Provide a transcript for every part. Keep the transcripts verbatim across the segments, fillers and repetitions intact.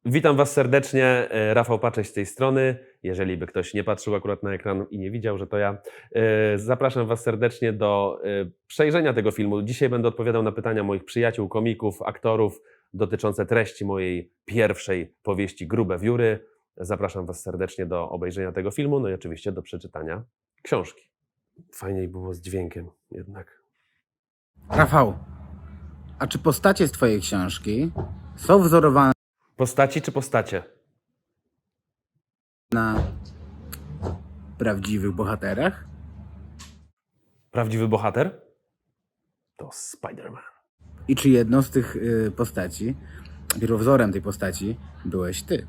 Witam Was serdecznie, e, Rafał Pacześ z tej strony. Jeżeli by ktoś nie patrzył akurat na ekran i nie widział, że to ja, e, zapraszam Was serdecznie do e, przejrzenia tego filmu. Dzisiaj będę odpowiadał na pytania moich przyjaciół, komików, aktorów dotyczące treści mojej pierwszej powieści Grube wióry. Zapraszam Was serdecznie do obejrzenia tego filmu, no i oczywiście do przeczytania książki. Fajniej było z dźwiękiem jednak. Rafał, a czy postacie z twojej książki są wzorowane Postaci czy postacie? na prawdziwych bohaterach? Prawdziwy bohater? To Spider-Man. I czy jedną z tych y, postaci, pierwowzorem tej postaci byłeś ty?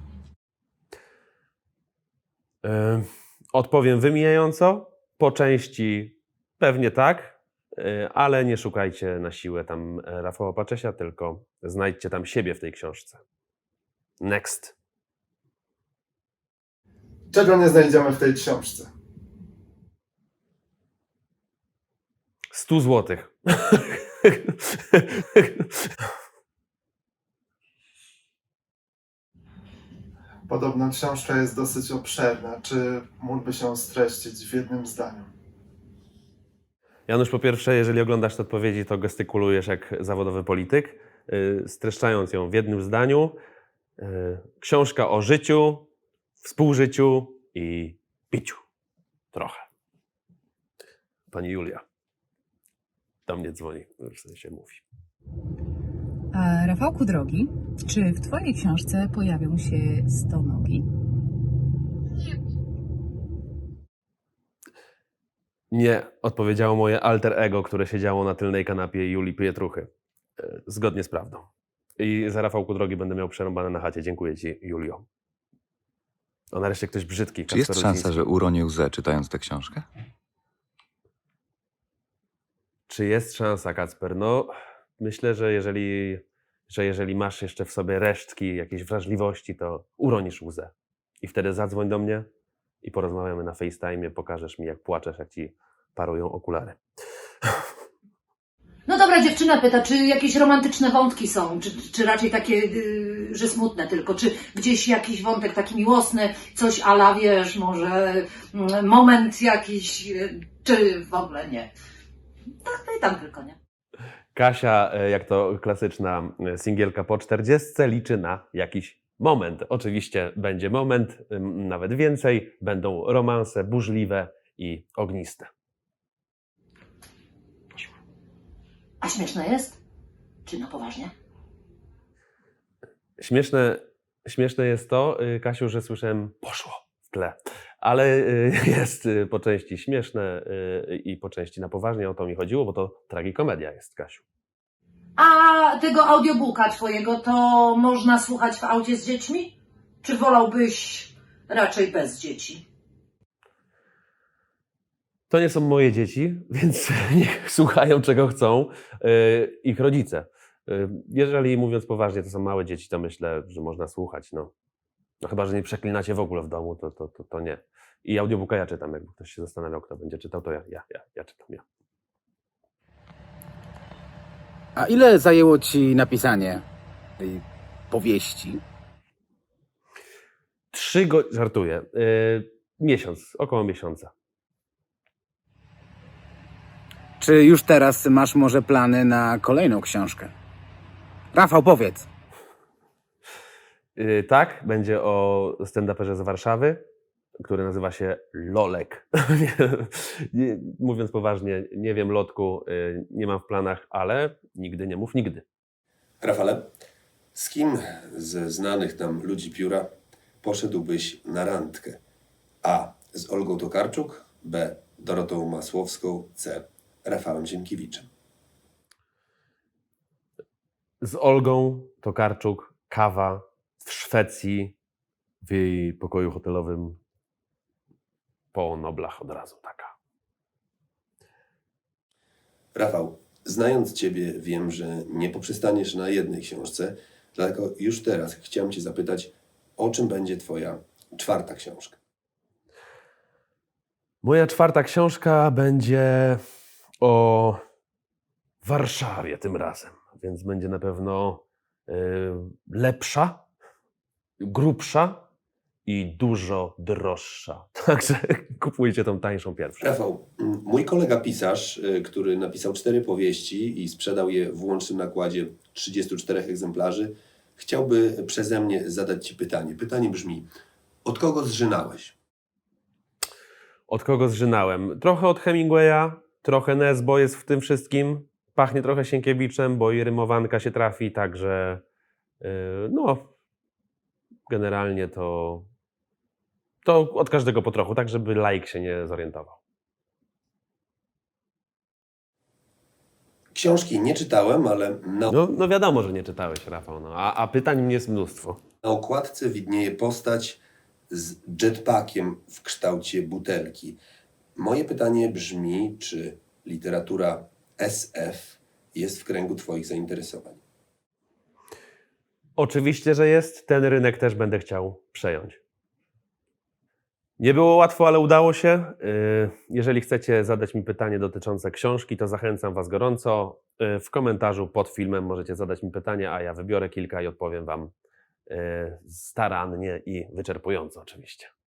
Yy, Odpowiem wymijająco. Po części pewnie tak, yy, ale nie szukajcie na siłę tam Rafała Paczesia, tylko znajdźcie tam siebie w tej książce. Next. Czego nie znajdziemy w tej książce? sto złotych. Podobno książka jest dosyć obszerna. Czy mógłby się streścić w jednym zdaniu? Janusz, po pierwsze, jeżeli oglądasz te odpowiedzi, to gestykulujesz jak zawodowy polityk, yy, streszczając ją w jednym zdaniu. Yy, książka o życiu, współżyciu i piciu. Trochę. Pani Julia do mnie dzwoni, w sensie mówi. A Rafałku drogi, czy w twojej książce pojawią się stonogi? Nie, odpowiedziało moje alter ego, które siedziało na tylnej kanapie Julii Pietruchy. E, Zgodnie z prawdą. I za Rafałku drogi będę miał przerąbane na chacie. Dziękuję Ci, Julio. O, nareszcie ktoś brzydki. Czy jest Kacper szansa, Rudziński. że uronię łzę czytając tę książkę? Czy jest szansa, Kacper? No, myślę, że jeżeli, że jeżeli masz jeszcze w sobie resztki jakiejś wrażliwości, to uronisz łzę. I wtedy zadzwoń do mnie i porozmawiamy na FaceTime, pokażesz mi, jak płaczesz, jak Ci parują okulary. No dobra, dziewczyna pyta, czy jakieś romantyczne wątki są, czy, czy raczej takie, yy, że smutne tylko, czy gdzieś jakiś wątek taki miłosny, coś a la, wiesz, może mm, moment jakiś, yy, czy w ogóle nie. Tak pytam tylko, nie? Kasia, e, jak to klasyczna e, singielka po czterdziestce, liczy na jakiś moment. Oczywiście będzie moment, ym, nawet więcej. Będą romanse burzliwe i ogniste. A śmieszne jest? Czy na poważnie? Śmieszne, śmieszne jest to, y, Kasiu, że słyszałem poszło w tle, ale y, jest y, po części śmieszne y, i po części na poważnie. O to mi chodziło, bo to tragikomedia jest, Kasiu. A tego audiobooka twojego to można słuchać w aucie z dziećmi? Czy wolałbyś raczej bez dzieci? To nie są moje dzieci, więc niech słuchają czego chcą y, ich rodzice. Y, Jeżeli mówiąc poważnie, to są małe dzieci, to myślę, że można słuchać. No, no chyba, że nie przeklinacie w ogóle w domu, to, to, to, to nie. I audiobooka ja czytam, jakby ktoś się zastanawiał, kto będzie czytał, to ja, ja, ja, ja czytam, ja. A ile zajęło ci napisanie tej powieści? Trzy go... Żartuję. Y, miesiąc, około miesiąca. Czy już teraz masz może plany na kolejną książkę? Rafał, powiedz. Y, tak, będzie o stand-uperze z Warszawy, który nazywa się Lolek. Nie, nie, mówiąc poważnie, nie wiem, Lotku, y, nie mam w planach, ale nigdy nie mów nigdy. Rafale, z kim ze znanych nam ludzi pióra poszedłbyś na randkę? A. Z Olgą Tokarczuk, B. Dorotą Masłowską, C. Rafałem Ziemkiewiczem. Z Olgą Tokarczuk, kawa w Szwecji, w jej pokoju hotelowym po Noblach od razu taka. Rafał, znając Ciebie, wiem, że nie poprzestaniesz na jednej książce, dlatego już teraz chciałem Cię zapytać, o czym będzie Twoja czwarta książka? Moja czwarta książka będzie o Warszawie tym razem, więc będzie na pewno y, lepsza, grubsza i dużo droższa. Także kupujcie tą tańszą pierwszą. Rafał, m, mój kolega pisarz, y, który napisał cztery powieści i sprzedał je w łącznym nakładzie trzydziestu czterech egzemplarzy, chciałby przeze mnie zadać Ci pytanie. Pytanie brzmi, od kogo zżynałeś? Od kogo zżynałem? Trochę od Hemingwaya, trochę Nesbo jest w tym wszystkim. Pachnie trochę Sienkiewiczem, bo i rymowanka się trafi, także yy, no, generalnie to, to od każdego po trochu, tak żeby laik się nie zorientował. Książki nie czytałem, ale na, No, no wiadomo, że nie czytałeś, Rafał, no, a, a pytań mnie jest mnóstwo. na okładce widnieje postać z jetpackiem w kształcie butelki. Moje pytanie brzmi, czy literatura S F jest w kręgu Twoich zainteresowań? Oczywiście, że jest. Ten rynek też będę chciał przejąć. Nie było łatwo, ale udało się. Yy, Jeżeli chcecie zadać mi pytanie dotyczące książki, to zachęcam Was gorąco. Yy, W komentarzu pod filmem możecie zadać mi pytanie, a ja wybiorę kilka i odpowiem Wam yy, starannie i wyczerpująco oczywiście.